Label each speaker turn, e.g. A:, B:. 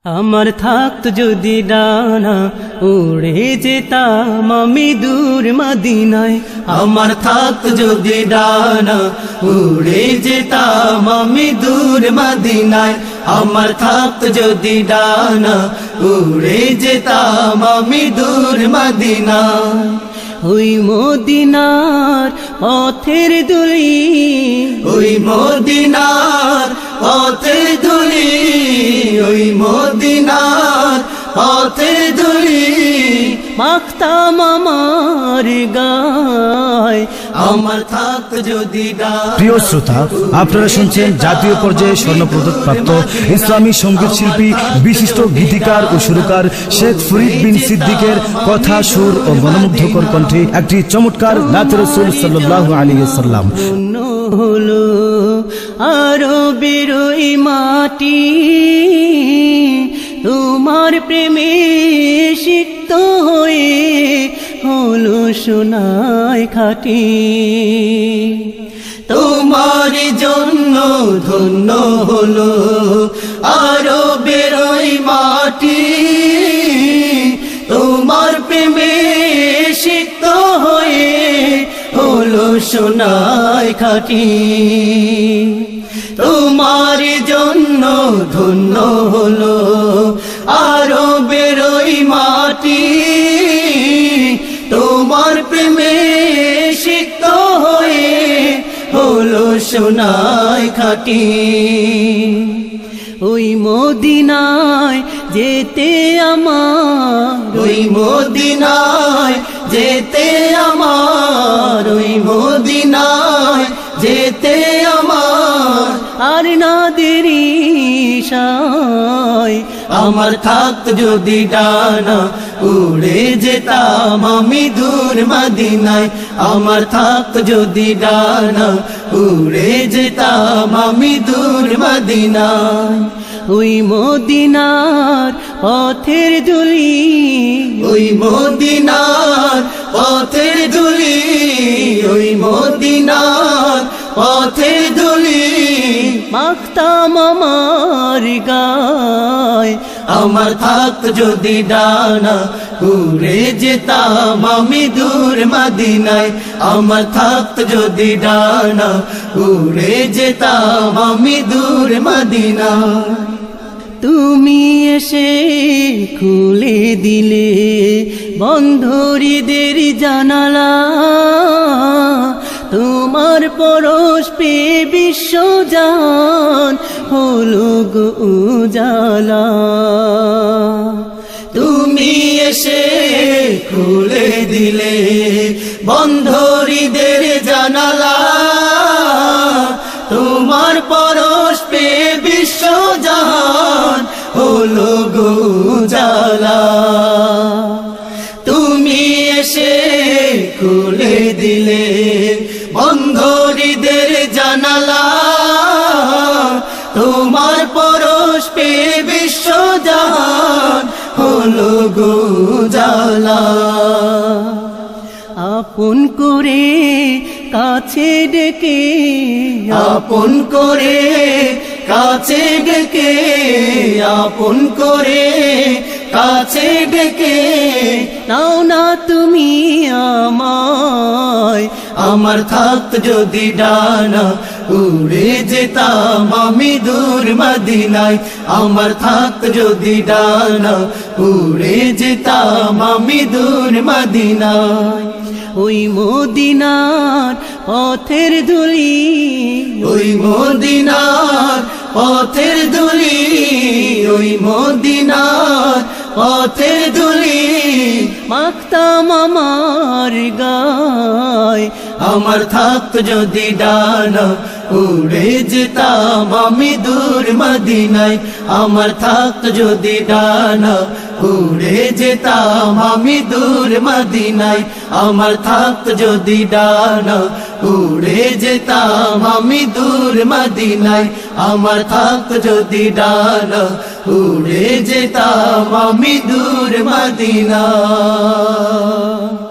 A: আমার থাকত যদি ডানা উড়ে যেতাম আমি দূর মদিনায়। আমার থাকত যদি ডানা উড়ে যেতাম আমি দূর মদিনায়। আমার থাকত যদি ডানা উড়ে যেতাম আমি দূর মদিনায়। ওই মদিনার পথের দুলি, ওই মদিনার পথের দুলি, ওই মদিনার পথের দুলি মাখতাম আমার গায়। আমার থাকত যদি ডানা।
B: প্রিয় শ্রোতা, আপনারা শুনছেন জাতীয় পর্যায়ে স্বর্ণপদক প্রাপ্ত ইসলামী সঙ্গীত শিল্পী বিশিষ্ট গীতিকার ও সুরকার শেখ ফরিদ বিন সিদ্দিকের কথা, সুর ও মনোমুগ্ধকর কণ্ঠে একটি চমৎকার নাতে রাসূল সাল্লাল্লাহু আলাইহি ওয়াসাল্লাম।
A: হলো আরো বেরোই মাটি তোমার প্রেমে সিক্ত হয়ে হলো সোনায় খাটি। তোমার জন্য ধন্য হলো আরো বেরোই মাটি তোমার প্রেমে সিক্ত হয়ে হলো সোনায় খাটি। তোমার জন্য ধন্য হলো আরো বেরোই মাটি তোমার প্রেমে সিক্ত হয়ে হলো সোনায় খাটি। ওই মদিনায় যেতে আমার, ওই মদিনায় যেতে আমার, ওই মদিনায় যেতে আমার আর না দেরি সায়। আমার থাকত যদি ডানা উড়ে যেতাম আমি দূর মদিনায়। আমার থাকত যদি ডানা উড়ে যেতাম আমি দূর মদিনায়। ওই মদিনার পথের দুলি, ওই মদিনার পথের দুলি, ওই মদিনার পথের দুলি মাখতাম আমার গায়। আমার থাকত যদি ডানা উড়ে যেতাম আমি দূর মদিনায়। আমার থাকত যদি ডানা উড়ে যেতাম আমি দূর মদিনায়। তুমি এসে খুলে দিলে বন্ধ হৃদের জানালা, তোমার পরশ পেয়ে বিশ্বজান হলো গো উজালা। তুমি এসে খুলে দিলে বন্ধ হৃদের জানালা, তোমার পরশ পেয়ে বিশ্বজান হলো গো উজালা। তুমি এসে খুলে দিলে বন্ধ হৃদের জানালা, তোমার পরশ পেয়ে বিশ্বজান হলো গো উজালা। আপন করে কাছে ডেকে, আপন করে কাছে ডেকে, আপন করে কাছে ডেকে নাও না তুমি আমায়। আমার থাকত যদি ডানা উড়ে যেতাম আমি দূর মদিনায়। আমার থাকত যদি ডানা উড়ে যেতাম আমি দূর মদিনায়। ওই মদিনার পথের দুলি, ওই মদিনার পথের দুলি, ওই মদিনার পথের দুলি মাখতাম আমার গায়। আমার থাকত যদি ডানা উড়ে যেতাম আমি দূর মদিনায়। আমার থাকত যদি ডানা উড়ে যেতাম আমি দূর মদিনায়। আমার থাকত যদি ডানা উড়ে যেতাম আমি দূর মদিনায়। আমার থাকত যদি ডানা উড়ে যেতাম আমি দূর মদিনায়।